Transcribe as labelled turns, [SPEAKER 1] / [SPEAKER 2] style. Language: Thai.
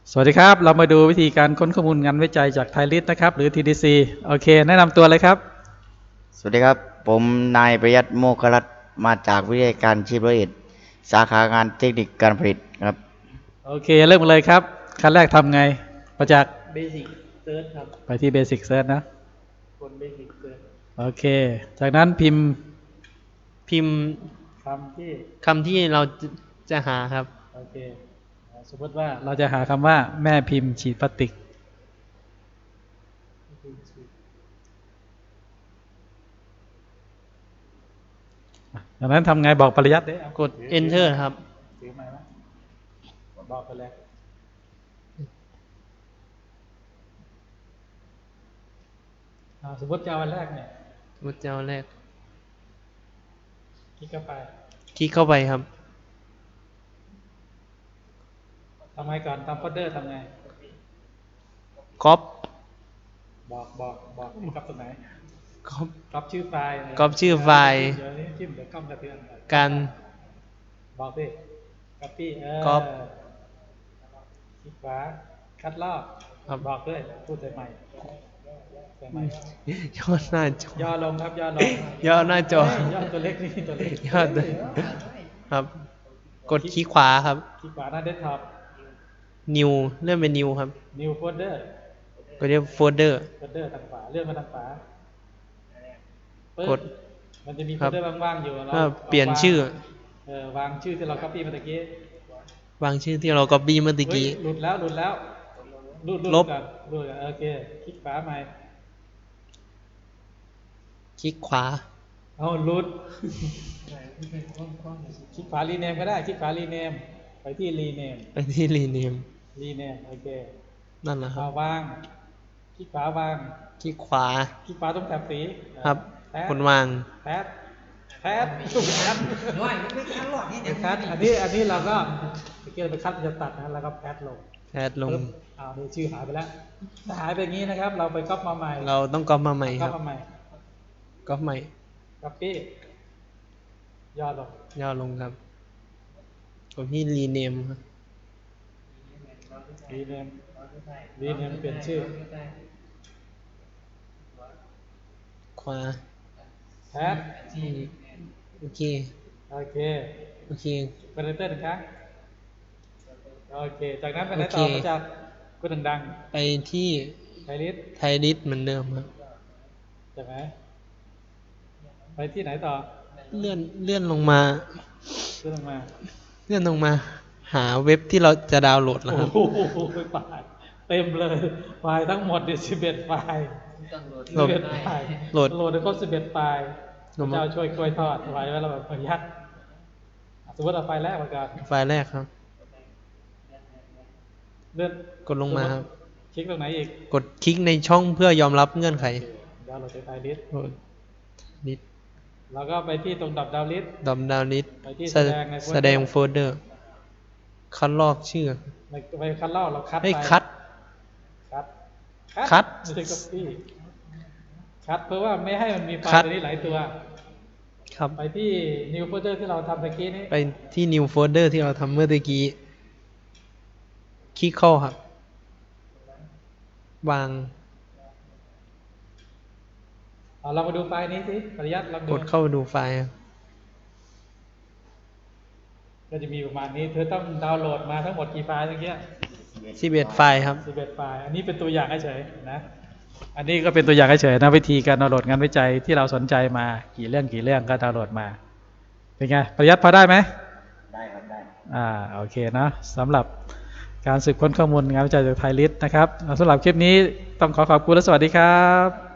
[SPEAKER 1] สวัสดีครับเรามาดูวิธีการค้นข้อมูลงานวิจัยจากไทยลิสต์นะครับหรือ TDC โอเคแนะนำตัวเลยครับ
[SPEAKER 2] สวัสดีครับผมนายประยัตโมครัตน์มาจากวิทยาการชีพร้อยเอ็ดสาขางานเทคนิคการผลิตครับ
[SPEAKER 1] โอเคเริ่มเลยครับขั้นแรกทำไงประจักษ์
[SPEAKER 3] เบสิกเซิร์ชครับ
[SPEAKER 1] ไปที่ Basic Search นะ
[SPEAKER 3] คนเบสิกเซิร์ช
[SPEAKER 1] โอเคจากนั้น
[SPEAKER 3] พิมพ์
[SPEAKER 1] คำที่
[SPEAKER 3] คำที่เราจะหาครับ
[SPEAKER 1] โอเคสมมติว่าเราจะหาคำว่าแม่พิมพ์ฉีดพลาสติกจากนั้นทำไงบอกปริยัติได้
[SPEAKER 3] กด enter ครับ
[SPEAKER 1] ถือไม้ไหมบอกไปเลยสมมติจะเอาวันแรกเนี่ย
[SPEAKER 3] สมมติจะเอาแรก
[SPEAKER 1] คลิกเข้าไป
[SPEAKER 3] คลิกเข้าไปครับ
[SPEAKER 1] ทำไงก่อนทำโฟลเดอร์ทำไง
[SPEAKER 3] ก๊อป
[SPEAKER 1] บอกกับตรงไหน
[SPEAKER 3] ก๊อป
[SPEAKER 1] ก๊อปชื่อไฟล์
[SPEAKER 3] ก๊อปชื่อไฟล์
[SPEAKER 1] เดี๋ยวนี้จิ้มเดี๋ยวกล้องกระเทือน
[SPEAKER 3] การ
[SPEAKER 1] บอกดิก๊อปปี้
[SPEAKER 3] ก๊อป
[SPEAKER 1] คลิกขวาคัดลอกบอกด้วยพูดใส่ใหม่
[SPEAKER 3] ย่อหน้าจอย่
[SPEAKER 1] อลงครับย่อลง
[SPEAKER 3] ย่อหน้าจ
[SPEAKER 1] อย่อตัวเล็กนี่ตัวเล็ก
[SPEAKER 3] ย่อครับกดคลิกขวาครับ
[SPEAKER 1] คลิกขวาหน้าเดสก์ท็อป
[SPEAKER 3] new เลื่อนเป็น new ครับ
[SPEAKER 1] new folder
[SPEAKER 3] ก็เรียกโฟลเดอร์
[SPEAKER 1] ทางขวาเลื่อนมาทางขวากดมันจะมีโฟลเดอร์ว่างๆอยู่
[SPEAKER 3] เราเปลี่ยนชื่อ
[SPEAKER 1] วางชื่อที่เรา copy เมื่อกี้
[SPEAKER 3] วางชื่อที่เรา copy เมื่อกี้
[SPEAKER 1] หลุดแล้ว
[SPEAKER 3] ลบ
[SPEAKER 1] โอเคคลิกขวาใหม่
[SPEAKER 3] คลิกขวา
[SPEAKER 1] เอาหลุดคลิกขวารีเนมก็ได้คลิกขวารีเนมไปที่รีเนมโอเค
[SPEAKER 3] นั่นแหละครับ
[SPEAKER 1] วางคลิกขวาวาง
[SPEAKER 3] คลิกขวา
[SPEAKER 1] ตรงแถบสี
[SPEAKER 3] ครับคนวาง
[SPEAKER 1] แพทถูกคัดน้อยไม่คัดหรอกนี่คัดอันนี้เราก็เมื่อกี้เราไปคัดจะตัดนะแล้วก็แพทลงนี่ชื่อหายไปแล้วถ้าหายไปอย่างนี้นะครับเราไปก๊อปมาใหม่
[SPEAKER 3] เราต้องก๊อปมาใหม่ครับก๊อปใหม่
[SPEAKER 1] ก๊อปปี้ย่
[SPEAKER 3] อลงครับกดที่รีเนมครับ
[SPEAKER 1] รีเนมเปลี่ยนชื่อ
[SPEAKER 3] ขวา
[SPEAKER 1] แพท
[SPEAKER 3] โอเค
[SPEAKER 1] เป็นเต้นนะครับโอเคจากนั้นไปไหนต่อมาจากก็ดัง
[SPEAKER 3] ๆไปที่ไทยลิสต์เหมือนเดิมครับ
[SPEAKER 1] จากไหนไปที่ไหนต่อ
[SPEAKER 3] เลื่อนลงมาหาเว็บที่เราจะดาวน์โหลดแล้วครับ
[SPEAKER 1] โอ้โหเต็มเลยไฟล์ทั้งหมด11 ไฟล์โหลดได้ครบ11 ไฟล์เจ้าช่วยกล้วยทอดไว้แล้วแบบประหยัดสมมติเอาไฟล์แรกมาก่อน
[SPEAKER 3] ไฟล์แรกครับ
[SPEAKER 1] เลื่อน
[SPEAKER 3] กดลงมาครับ
[SPEAKER 1] คลิกตรงไหนอีก
[SPEAKER 3] กดคลิกในช่องเพื่อยอมรับเงื่อนไข
[SPEAKER 1] ดาวน์โหลดไฟล์ลิสต์
[SPEAKER 3] แล้ว
[SPEAKER 1] ก็ไปที่ตรงดาวน์ลิสต์
[SPEAKER 3] แสดงโฟลเดอร์คัดลอกชื่อ
[SPEAKER 1] ไปคัดลอกเราคัดไม่ใช่ copy คัดเพื่อว่าไม่ให้มันมีไฟล์ตัวนี้หลายตัว
[SPEAKER 3] ครับ
[SPEAKER 1] ไปที่ new folder ที่เราทำเมื่อกี้นี้
[SPEAKER 3] ไปที่ new folder ที่เราทำเมื่อกี้คลิกเข้าครับวาง
[SPEAKER 1] เรามาดูไฟล์นี้สิปริยัติ
[SPEAKER 3] กดเข้าไปดูไฟล์
[SPEAKER 1] ก็จะมีประมาณนี้เธอต้องดาวน์โหลดมาทั้งหมดกี่ไฟล์เมื่อกี้
[SPEAKER 3] 11 ไฟล์ครับ
[SPEAKER 1] 11 ไฟล์อันนี้เป็นตัวอย่างเฉยนะอันนี้ก็เป็นตัวอย่างเฉยนะวิธีการดาวน์โหลดงานวิจัยที่เราสนใจมากี่เรื่องก็ดาวน์โหลดมาเป็นไงปริยัติพอได้ไหม
[SPEAKER 2] ได้ครับได้
[SPEAKER 1] โอเคนะสำหรับการสืบค้นข้อมูลงานวิจัยจากไทยลิสต์นะครับสำหรับคลิปนี้ต้องขอบคุณและสวัสดีครับ